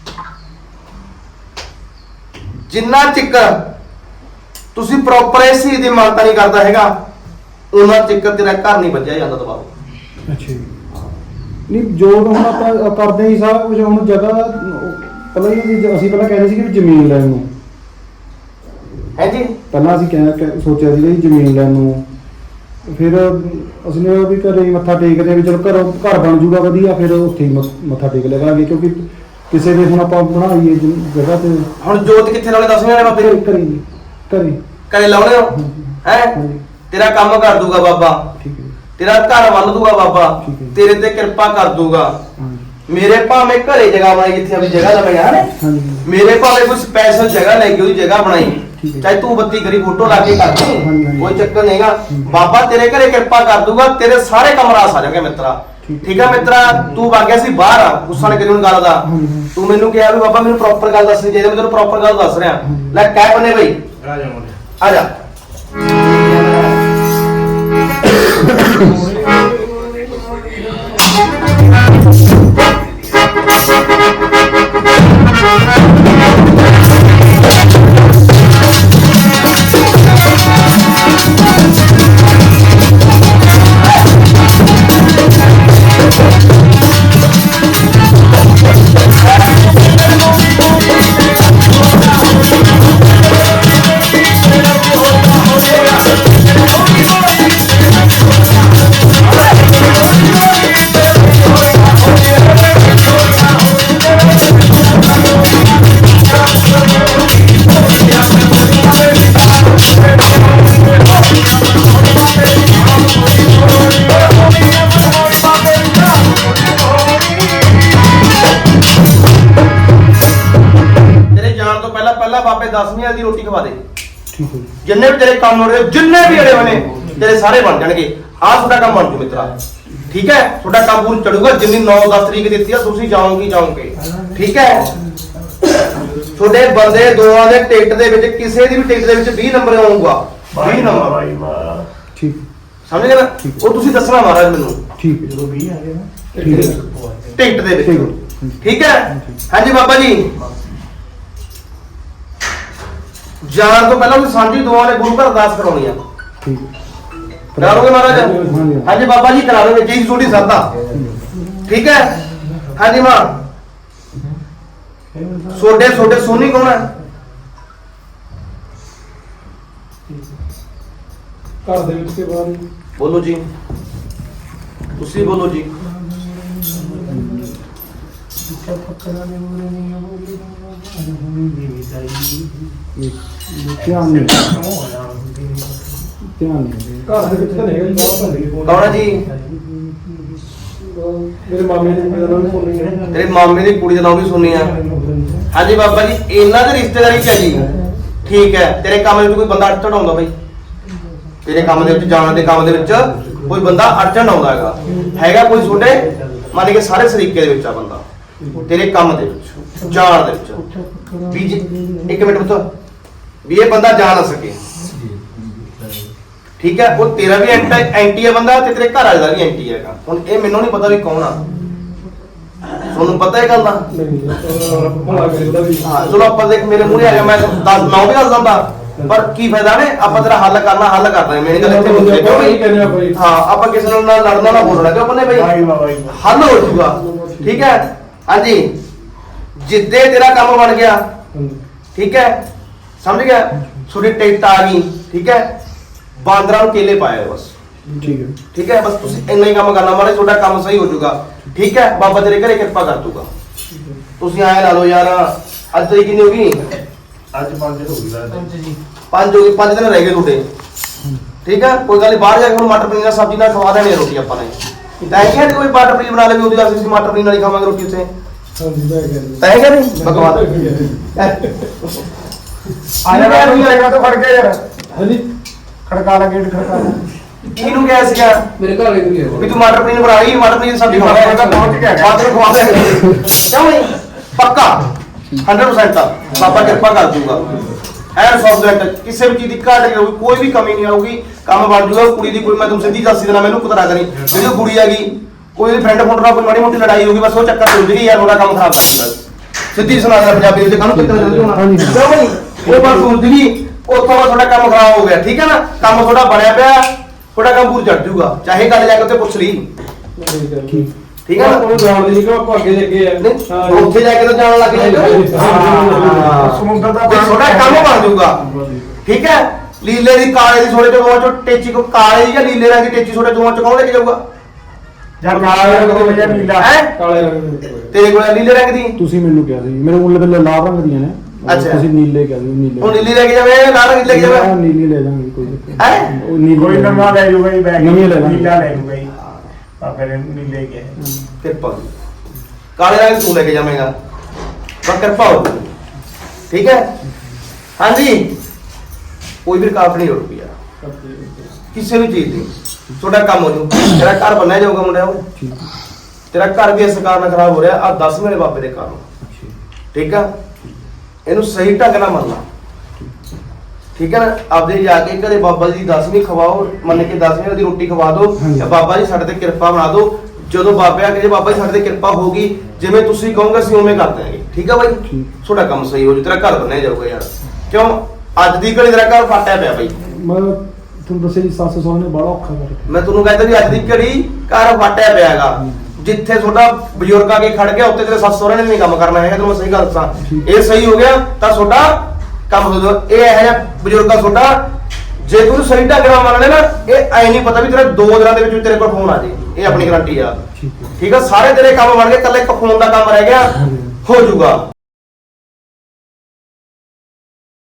A: ਜਿੰਨਾ ਚਿਕਰ ਤੁਸੀਂ ਪ੍ਰੋਪਰ ਇਸ ਚੀਜ਼ ਦੀ ਮਾਨਤਾ ਨਹੀਂ ਕਰਦਾ ਹੈਗਾ, ਉਹਨਾਂ ਚਿਕਰ ਤੇਰਾ ਘਰ ਨਹੀਂ ਵੱਜਿਆ ਜਾਂਦਾ ਦਬਾਓ।
F: ਅੱਛਾ ਜੀ। ਨਹੀਂ ਜੋ ਹੁਣ ਆਪਾਂ ਕਰਦੇ ਹੀ ਸਾਰਾ ਕੁਝ, ਹੁਣ ਜਗ੍ਹਾ ਪਹਿਲਾਂ ਹੀ ਅਸੀਂ- ਅਸੀਂ ਪਹਿਲਾਂ ਕਹਿੰਦੇ ਸੀ ਕਿ ਜ਼ਮੀਨ ਲੈਣ ਨੂੰ,
A: ਹੈ ਜੀ?
F: ਪਹਿਲਾਂ ਅਸੀਂ ਕਹਿ ਕਹਿ- ਸੋਚਿਆ ਸੀ ਕਿ ਜ਼ਮੀਨ ਲੈਣ ਨੂੰ, ਫਿਰ ਅਸੀਂ ਨੇ ਵੀ ਘਰੇ ਹੀ ਮੱਥਾ ਟੇਕਦੇ ਵੀ ਚਲੋ ਘਰ ਘਰ ਬਣ ਜੂਗਾ ਵਧੀਆ, ਫਿਰ ਉੱਥੇ ਹੀ ਮ- ਮੱਥਾ ਟੇਕ ਲਵਾਂਗੇ, ਕਿਉਂਕਿ ਕਿਸੇ ਦੇ ਹੁਣ ਆਪਾਂ ਬਣਾਈਏ ਜ- ਜਗ੍ਹਾ ਤੇ
A: ਹੁਣ ਜੋਤ ਕਿੱਥੇ ਲਾਉਣੇ ਦਸਵੇਂ ਵਾਲੇ ਬਾਬੇ
F: ਘਰੇ
A: ਨੂੰ?
F: ਘਰੇ ਜੀ, ਘਰੇ।
A: ਘਰੇ ਲਾਉਣੇ ਹੋ? ਹੈ
F: ਹਾਂਜੀ।
A: ਤੇਰਾ ਕੰਮ ਕਰ ਦੂਗਾ ਬਾਬਾ,
F: ਠੀਕ ਹੈ ਜੀ।
A: ਤੇਰਾ ਘਰ ਵੱਲ ਦੂਗਾ ਬਾਬਾ,
F: ਠੀਕ ਹੈ।
A: ਤੇਰੇ ਤੇ ਕਿਰਪਾ ਕਰ ਦੂਗਾ।
F: ਹਾਂਜੀ
A: ਮੇਰੇ ਭਾਵੇਂ ਘਰੇ ਜਗ੍ਹਾ ਬਣਾਈ ਜਿੱਥੇ ਆਪਣੀ ਜਗ੍ਹਾ ਲਵਾਈ ਹੈ ਨਾ,
F: ਹਾਂਜੀ
A: ਮੇਰੇ ਭਾਵੇਂ ਕੋਈ ਸਪੈਸ਼ਲ ਜਗ੍ਹਾ ਲੈ ਕੇ ਉਹਦੀ ਜਗ੍ਹਾ ਬਣਾਈ,
F: ਠੀਕ ਹੈ।
A: ਚਾਹੇ ਤੂੰ ਬੱਤੀ ਕਰੀ ਫੋਟੋ ਲਾ ਕੇ ਕਰ
F: ਹਾਂਜੀ,
A: ਦੇ,
F: ਹਾਂਜੀ।
A: ਕੋਈ ਚੱਕਰ ਨਹੀਂਗਾ।
F: ਠੀਕ ਹੈ।
A: ਬਾਬਾ ਤੇਰੇ ਘਰੇ ਕਿਰਪਾ ਕਰ ਦੂਗਾ, ਤੇਰੇ ਸਾਰੇ ਕੰਮ ਰਾਸ ਆ ਜਾਣਗੇ ਮਿੱਤਰਾ।
F: ਠੀਕ ਹੈ।
A: ਠੀਕ ਹੈ ਮਿੱਤਰਾ, ਤੂੰ ਵਗ ਗਿਆ ਸੀ ਬਾਹਰ ਆ, ਗੁੱਸਾ ਨਾ ਕਰੀ ਹੁਣ ਗੱਲ ਦਾ।
F: ਹਾਂਜੀ, ਹਾਂਜੀ।
A: ਤੂੰ ਮੈਨੂੰ ਕਿਹਾ ਵੀ ਬਾਬਾ ਮੈਨੂੰ ਪ੍ਰੋਪਰ ਗੱਲ ਦੱਸਣੀ ਚਾਹੀਦੀ, ਮੈਂ ਤੈਨੂੰ ਪ੍ਰੋਪਰ ਗੱਲ ਦੱਸ ਰਿਹਾ।
F: ਹਾਂਜੀ।
A: ਲੈ ਕਹਿ ਬੰਨੇ ਬਈ,
B: ਆ ਜਾ ਮੁੰਡੇ।
A: ਆ ਜਾ। ਤੇਰੇ ਜਾਣ ਤੋਂ ਪਹਿਲਾਂ ਪਹਿਲਾਂ ਬਾਬੇ ਦਸਵੀਂ ਵਾਲੀ ਦੀ ਰੋਟੀ ਖਵਾ ਦੇ।
F: ਠੀਕ ਹੈ ਜੀ।
A: ਜਿੰਨੇ ਵੀ ਤੇਰੇ ਕੰਮ ਹੋ ਰਹੇ, ਜਿੰਨੇ ਵੀ ਅੜੇ ਹੋਏ ਨੇ ਤੇਰੇ ਸਾਰੇ ਬਣ ਜਾਣਗੇ। ਆਹ ਤੁਹਾਡਾ ਕੰਮ ਬਣ ਜੂ ਮਿੱਤਰਾ। ਠੀਕ ਹੈ, ਤੁਹਾਡਾ ਕੰਮ ਪੂਰ ਚੜੂਗਾ। ਜਿੰਨੀ ਨੌ ਦਸ ਤਰੀਕ ਦਿੱਤੀ ਆ, ਤੁਸੀਂ ਜਾਓਗੇ ਜਾਓਗੇ। ਠੀਕ ਹੈ, ਤੁਹਾਡੇ ਬੰਦੇ ਦੋਵਾਂ ਦੇ ਟਿਕਟ ਦੇ ਵਿੱਚ, ਕਿਸੇ ਦੀ ਵੀ ਟਿਕਟ ਦੇ ਵਿੱਚ ਵੀਹ ਨੰਬਰ ਆਊਗਾ। ਵੀਹ ਨੰਬਰ
B: ਬਾਈ ਮਾਂ
F: ਠੀਕ
A: ਸਮਝ ਗਏ ਨਾ? ਉਹ ਤੁਸੀਂ ਦੱਸਣਾ ਮਹਾਰਾਜ ਮੈਨੂੰ
F: ਠੀਕ ਹੈ।
B: ਜਦੋਂ ਵੀਹ ਆ ਗਏ ਨਾ
F: ਠੀਕ ਹੈ।
A: ਟਿਕਟ ਦੇ
F: ਠੀਕ
A: ਵਿੱਚ।
F: ਹੈ।
A: ਠੀਕ ਹੈ, ਹਾਂਜੀ ਬਾਬਾ ਜੀ। ਜਾਣ ਤੋਂ ਪਹਿਲਾਂ ਤੁਸੀਂ ਸਾਂਝੀ ਦੋਵਾਂ ਨੇ ਗੁਰੂ ਘਰ ਅਰਦਾਸ ਕਰਾਉਣੀ ਆ।
F: ਠੀਕ ਹੈ।
A: ਕਰਾ ਲਓਗੇ ਮਹਾਰਾਜ?
F: ਹਾਂਜੀ।
A: ਹਾਂਜੀ ਬਾਬਾ ਜੀ ਕਰਾ ਲਓਗੇ, ਜੀ ਛੋਟੀ ਸਰਦਾ। ਠੀਕ ਹੈ, ਹਾਂਜੀ ਮਾਂ। ਛੋਡੇ ਛੋਡੇ ਸੋਨੀ ਕੌਣ ਹੈ?
C: ਘਰ ਦੇ ਵਿੱਚ ਕੇ ਬਾਹਰ ਜੀ।
A: ਬੋਲੋ ਜੀ, ਤੁਸੀਂ ਬੋਲੋ ਜੀ।
F: ਧਿਆਨ ਨਹੀਂ। ਧਿਆਨ ਨਹੀਂ ਦੇ
C: ਘਰ ਦੇ ਵਿੱਚ ਤਾਂ ਨਹੀਂ ਹੈਗਾ ਜੀ ਬਾਹਰ ਭੰਡ ਗਏ
A: ਕੌਣ ਹੈ ਜੀ?
C: ਮੇਰੇ ਮਾਮੇ ਦੀ ਕੁੜੀ ਦਾ ਨਾਮ ਸੁਣੀ ਹੈ
A: ਤੇਰੇ ਮਾਮੇ ਦੀ ਕੁੜੀ ਦਾ ਨਾਮ ਵੀ ਸੁਣੀ ਆ। ਹਾਂਜੀ ਬਾਬਾ ਜੀ, ਇਹਨਾਂ ਦੀ ਰਿਸ਼ਤੇਦਾਰੀ ਚ ਹੈ ਜੀ। ਠੀਕ ਹੈ, ਤੇਰੇ ਕੰਮ ਦੇ ਵਿੱਚ ਕੋਈ ਬੰਦਾ ਅੜਚਣ ਆਉਂਦਾ ਬਾਈ? ਤੇਰੇ ਕੰਮ ਦੇ ਵਿੱਚ ਜਾਣ ਦੇ ਕੰਮ ਦੇ ਵਿੱਚ ਕੋਈ ਬੰਦਾ ਅੜਚਣ ਆਉਂਦਾ ਹੈਗਾ ਹੈਗਾ ਕੋਈ ਤੁਹਾਡੇ ਮੰਨ ਕੇ ਸਾਰੇ ਸਰੀਕੇ ਦੇ ਵਿੱਚ ਆ ਬੰਦਾ ਤੇਰੇ ਕੰਮ ਦੇ ਵਿੱਚ ਜਾਣ ਦੇ ਵਿੱਚ ਵੀ ਜੀ ਇੱਕ ਮਿੰਟ ਪੁੱਤ ਵੀ ਇਹ ਬੰਦਾ ਜਾ ਨਾ ਸਕੇ। ਠੀਕ ਹੈ, ਉਹ ਤੇਰਾ ਵੀ ਐਂਟੀ ਐਂਟੀ ਹੈ ਬੰਦਾ ਤੇ ਤੇਰੇ ਘਰ ਵਾਲੇ ਦਾ ਵੀ ਐਂਟੀ ਹੈਗਾ। ਹੁਣ ਇਹ ਮੈਨੂੰ ਨਹੀਂ ਪਤਾ ਵੀ ਕੌਣ ਆ, ਤੁਹਾਨੂੰ ਪਤਾ ਇਹ ਗੱਲ ਦਾ?
C: ਨਹੀਂ ਭਲਾ ਕਰੇ ਉਹਦਾ ਵੀ
A: ਹਾਂ ਚਲੋ ਆਪਾਂ ਦੇਖ ਮੇਰੇ ਮੂਹਰੇ ਆ ਗਿਆ, ਮੈਂ ਦੱਸ ਮੈਂ ਉਹ ਵੀ ਦੱਸ ਦਿੰਦਾ ਪਰ ਕੀ ਫਾਇਦਾ ਨੇ, ਆਪਾਂ ਤੇਰਾ ਹੱਲ ਕਰਨਾ ਹੱਲ ਕਰਨਾ ਮੇਰੀ ਗੱਲ ਇੱਥੇ ਮੁੱਕੇ ਕਿਉਂ ਬਈ? ਹਾਂ ਆਪਾਂ ਕਿਸੇ ਨਾਲ ਨਾ ਲੜਨਾ ਨਾ ਬੋਲਣਾ ਕਿਉਂ ਬੰਨੇ ਬਈ,
B: ਵਾਹਿਗੁਰੂ ਵਾਹਿਗੁਰੂ
A: ਹੱਲ ਹੋ ਜਾਊਗਾ। ਠੀਕ ਹੈ, ਹਾਂਜੀ ਜਿੱਦੇ ਤੇਰਾ ਕੰਮ ਬਣ ਗਿਆ ਠੀਕ ਹੈ, ਸਮਝ ਗਿਆ, ਤੁਹਾਡੀ ਟਿਕਟ ਆ ਗਈ ਠੀਕ ਹੈ, ਬਾਂਦਰਾਂ ਨੂੰ ਕੇਲੇ ਪਾਏ ਬਸ।
F: ਠੀਕ ਹੈ
A: ਠੀਕ ਹੈ, ਬਸ ਤੁਸੀਂ ਇੰਨਾ ਹੀ ਕੰਮ ਕਰਨਾ ਮਾਰੇ, ਤੁਹਾਡਾ ਕੰਮ ਸਹੀ ਹੋ ਜਾਊਗਾ। ਠੀਕ ਹੈ, ਬਾਬਾ ਤੇਰੇ ਘਰੇ ਕਿਰਪਾ ਕਰ ਦੂਗਾ। ਤੁਸੀਂ ਆਏ ਲਾ ਲਓ ਯਾਰ, ਅੱਜ ਤਰੀਕ ਕਿੰਨੀ ਹੋ ਗਈ?
B: ਅੱਜ ਪੰਜ ਹੋ ਗਈ ਲੱਗਦਾ
A: ਪੰਜ ਹੋ ਗਈ, ਪੰਜ ਦਿਨ ਰਹਿ ਗਏ ਤੁਹਾਡੇ। ਠੀਕ ਹੈ, ਕੋਈ ਗੱਲ ਨਹੀਂ, ਬਾਹਰ ਜਾ ਕੇ ਹੁਣ ਮਟਰ ਪਨੀਰ ਨਾਲ ਸਬਜ਼ੀ ਨਾਲ ਖਵਾ ਦੇਣੀ ਹੈ ਰੋਟੀ ਆਪਾਂ ਨੇ। ਤਾਂ ਇਹ ਕਹਿੰਦੇ ਕੋਈ ਮਟਰ ਪਨੀਰ ਬਣਾ ਲਵੇ, ਉਹਦੀ ਗੱਲ ਅਸੀਂ ਮਟਰ ਪਨੀਰ ਨਾਲ ਹੀ ਖਾਵਾਂਗੇ ਰੋਟੀ ਉੱਥੇ।
C: ਹਾਂਜੀ ਮੈਂ ਕਹਿੰਦਾ
A: ਤਾਂ ਇਹ ਕਹਿੰਦੇ ਬਕਵਾਸ
B: ਆਇਆ ਨਾ ਨਹੀਂ ਆਏਗਾ ਤਾਂ ਫੜ ਕੇ ਯਾਰ
C: ਹਾਂਜੀ
B: ਖੜਕਾ ਲਾ ਗੇਟ ਖੜਕਾ ਲਾ।
A: ਕਿਹਨੂੰ ਕਿਹਾ ਸੀਗਾ
C: ਮੇਰੇ ਘਰ ਵਾਲੇ ਨੂੰ ਗਿਆ
A: ਵੀ ਤੂੰ ਮਟਰ ਪਨੀਰ ਬਣਾ ਲਈ, ਮਟਰ ਪਨੀਰ ਦੀ ਸਬਜ਼ੀ ਖਵਾ
B: ਮਟਰ ਪਨੀਰ ਪਹੁੰਚ ਗਿਆ।
A: ਬਾਅਦ ਵਿੱਚ ਖਵਾ ਦੇ ਕਿਉਂ ਨਹੀਂ? ਪੱਕਾ ਹੰਡਰਡ ਪਰਸੈਂਟ ਆ, ਬਾਬਾ ਕਿਰਪਾ ਕਰ ਦੂਗਾ। ਐਨ ਸੌਫਟ ਕਿਸੇ ਵੀ ਚੀਜ਼ ਦੀ ਘਾਟ ਨਹੀਂ ਹੋਊਗੀ, ਕੋਈ ਵੀ ਕਮੀ ਨਹੀਂ ਆਊਗੀ, ਕੰਮ ਬਣ ਜੂਗਾ। ਕੁੜੀ ਦੀ ਕੋਈ ਮੈਂ ਤੁਹਾਨੂੰ ਸਿੱਧੀ ਦੱਸ ਦੇਣਾ, ਮੈਨੂੰ ਕੁਤਰਾ ਕਰੀ ਜਿਹੜੀ ਉਹ ਕੁੜੀ ਹੈਗੀ ਕੋਈ ਦੀ ਫਰੈਂਡ ਫੋਨ ਨਾਲ ਕੋਈ ਮਾੜੀ ਮੋਟੀ ਲੜਾਈ ਹੋਊਗੀ, ਬਸ ਉਹ ਚੱਕਰ ਤੇ ਹੁੰਦੀ ਯਾਰ ਉਹਦਾ ਕੰਮ ਖਰਾਬ ਕਰ ਦਿੰਦਾ। ਸਿੱਧੀ ਸੁਣਾ ਦੇ ਪੰਜਾਬੀ ਵਿੱਚ ਕੰਮ ਕਿੱਥੇ ਚੱਲਦੀ ਹੋਣਾ
F: ਹਾਂਜੀ।
A: ਕਿਉਂ ਬਈ? ਉਹ ਬਸ ਹੁੰਦੀ ਉੱਥੋਂ ਬਾਅਦ ਤੁਹਾਡਾ ਕੰਮ ਖਰਾਬ ਹੋ ਗਿਆ। ਠੀਕ ਹੈ ਨਾ, ਕੰਮ ਤੁਹਾਡਾ ਬਣਿਆ ਪਿਆ, ਤੁਹਾਡਾ ਕੰਮ ਪੂਰ ਚੜ ਜੂਗਾ, ਚਾਹੇ ਗੱਲ ਜਾ ਕੇ ਉੱਥੇ ਪੁੱਛ ਲਈ।
F: ਠੀਕ
A: ਠੀਕ ਹੈ ਨਾ,
C: ਉਹ ਜਾਣ ਲਈ ਕਿ ਆਪਾਂ ਅੱਗੇ ਲੱਗੇ ਆ
A: ਨਹੀਂ ਉੱਥੇ ਜਾ ਕੇ ਤਾਂ ਜਾਣ ਲੱਗ ਜਾਏਗਾ।
B: ਸਮੁੰਦਰ ਦਾ
A: ਵੀ ਤੁਹਾਡਾ ਕੰਮ ਬਣ ਜਾਊਗਾ। ਠੀਕ ਹੈ, ਲੀਲੇ ਦੀ ਕਾਲੇ ਦੀ ਛੋਟੇ ਦੋਵਾਂ ਚੋਂ ਟੇਚੀ ਕੋ ਕਾਲੇ ਦੀ ਜਾਂ ਲੀਲੇ ਰੰਗ ਦੀ ਟੇਚੀ ਛੋਟੇ ਦੋਵਾਂ ਚੋਂ ਕੌਣ ਲੈ ਕੇ ਜਾਊਗਾ?
B: ਜਾਂ ਕਾਲਾ ਰੰਗ ਦੇ ਜਾਂ ਨੀਲਾ
A: ਹੈ
C: ਕਾਲੇ ਰੰਗ ਦੇ
A: ਤੇਰੇ ਕੋਲ ਨੀਲੇ ਰੰਗ ਦੀ,
F: ਤੁਸੀਂ ਮੈਨੂੰ ਕਿਹਾ ਸੀ ਮੇਰੇ ਕੋਲ ਤਾਂ ਲਾਲ ਰੰਗ ਦੀਆਂ ਨੇ।
A: ਅੱਛਾ।
F: ਤੁਸੀਂ ਨੀਲੇ ਕਹਿ ਦਿਓ ਨੀਲੇ।
A: ਹੁਣ ਨੀਲੀ ਲੈ ਕੇ ਜਾਵੇ ਲਾਲ ਰੰਗ ਲੈ ਕੇ
F: ਹਾਂ,
A: ਜਾਵੇ?
F: ਨੀਲੀ ਲੈ ਜਾਵਾਂਗੇ ਕੋਈ ਦਿੱਕਤ
A: ਹੈਂ?
F: ਨਹੀਂ। ਉਹ ਨੀਲੀ
B: ਕੋਈ
F: ਲੈ
B: ਨਵਾਂ ਲੈ ਜੂਗਾ ਜੀ ਬੈਗ
F: ਨਵੀਂ ਲੈ ਲਾਂਗੇ।
B: ਨੀਲਾ ਲੈ ਜੂਗਾ ਜੀ ਆ ਫਿਰ ਨੀਲੇ ਕੇ
A: ਕਿਰਪਾ ਜੀ। ਕਾਲੇ ਰੰਗ ਤੂੰ ਲੈ ਕੇ ਜਾਵੇਂਗਾ, ਪਰ ਕਿਰਪਾ ਹੋ। ਠੀਕ ਹੈ, ਹਾਂਜੀ ਕੋਈ ਵੀ ਰੁਕਾਵਟ ਨਹੀਂ ਹੋਊਗੀ ਯਾਰ ਕਿਸੇ ਵੀ ਚੀਜ਼ ਦੀ, ਤੁਹਾਡਾ ਕੰਮ ਹੋ ਜੂ। ਤੇਰਾ ਘਰ ਬਣਿਆ ਜਾਊਗਾ ਮੁੰਡਿਆ, ਉਹ
F: ਠੀਕ
A: ਤੇਰਾ ਘਰ ਵੀ ਇਸ ਕਾਰਨ ਖਰਾਬ ਹੋ ਰਿਹਾ ਆ ਦਸ ਮੇਰੇ ਬਾਬੇ ਦੇ ਕਾਰਨ। ਠੀਕ ਆ, ਇਹਨੂੰ ਸਹੀ ਢੰਗ ਨਾਲ ਮੰਨਣਾ। ਠੀਕ ਹੈ ਨਾ, ਆਪਦੇ ਜਾ ਕੇ ਘਰੇ ਬਾਬਾ ਜੀ ਦੀ ਦਸਵੀਂ ਖਵਾਓ, ਮੰਨ ਕੇ ਦਸਵੀਂ ਦੀ ਰੋਟੀ ਖਵਾ ਦਿਓ,
F: ਹਾਂਜੀ।
A: ਬਾਬਾ ਜੀ ਸਾਡੇ ਤੇ ਕਿਰਪਾ ਬਣਾ ਦਿਓ। ਜਦੋਂ ਬਾਬੇ ਆ ਕੇ ਜੇ ਬਾਬਾ ਜੀ ਸਾਡੇ ਤੇ ਕਿਰਪਾ ਹੋਗੀ, ਜਿਵੇਂ ਤੁਸੀਂ ਕਹੋਗੇ ਅਸੀਂ ਉਵੇਂ ਕਰ ਦਿਆਂਗੇ। ਠੀਕ ਆ ਬਾਈ,
F: ਠੀਕ।
A: ਤੁਹਾਡਾ ਕੰਮ ਸਹੀ ਹੋ ਜੂ, ਤੇਰਾ ਘਰ ਬਣਿਆ ਜਾਊਗਾ ਯਾਰ। ਕਿਉਂ ਅੱਜ ਦੀ ਘੜੀ ਤੇਰਾ ਘਰ ਫਾਟਿਆ ਪਿਆ ਬਾਈ।
F: ਮੈਂ ਤੁਹਾਨੂੰ ਦੱਸਿਆ ਜੀ ਸੱਸ ਸਹੁਰੇ ਨੇ ਬੜਾ ਔਖਾ ਕਰ ਰੱਖਿਆ।
A: ਮੈਂ ਤੁਹਾਨੂੰ ਕਹਿੰਦਾ ਵੀ ਅੱਜ ਦੀ ਘੜੀ ਘਰ ਫਾਟਿਆ ਪਿਆ ਹੈਗਾ। ਜਿੱਥੇ ਤੁਹਾਡਾ ਬਜ਼ੁਰਗ ਆ ਕੇ ਖੜ ਗਿਆ ਉੱਥੇ ਤੇਰੇ ਸੱਸ ਸਹੁਰੇ ਨੇ ਨਹੀਂ ਕੰਮ ਕਰਨਾ ਹੈਗਾ। ਤੈਨੂੰ ਮੈਂ ਸਹੀ ਗੱਲ ਦੱਸਾਂ, ਇਹ ਸਹੀ ਹੋ ਗਿਆ ਤਾਂ ਤੁਹਾਡਾ ਕੰਮ ਹੋ ਜਾਊਗਾ। ਇਹ ਇਹੋ ਜਿਹਾ ਬਜ਼ੁਰਗ ਆ ਤੁਹਾਡਾ, ਜੇ ਤੂੰ ਸਹੀ ਢੰਗ ਨਾਲ ਮੰਨ ਲੈ ਨਾ, ਇਹ ਐ ਨਹੀਂ ਪਤਾ ਵੀ ਤੇਰੇ ਦੋ ਦਿਨਾਂ ਦੇ ਵਿੱਚ ਤੇਰੇ ਕੋਲ ਫੋਨ ਆ ਜੇ। ਇਹ ਆਪਣੀ ਗਾਰੰਟੀ ਆ।
F: ਠੀਕ ਹੈ
A: ਠੀਕ ਆ, ਸਾਰੇ ਤੇਰੇ ਕੰਮ ਬਣ ਗਏ, ਇਕੱਲੇ ਇੱਕ ਫੋਨ ਦਾ ਕੰਮ ਰਹਿ ਗਿਆ, ਹੋ ਜਾਊਗਾ।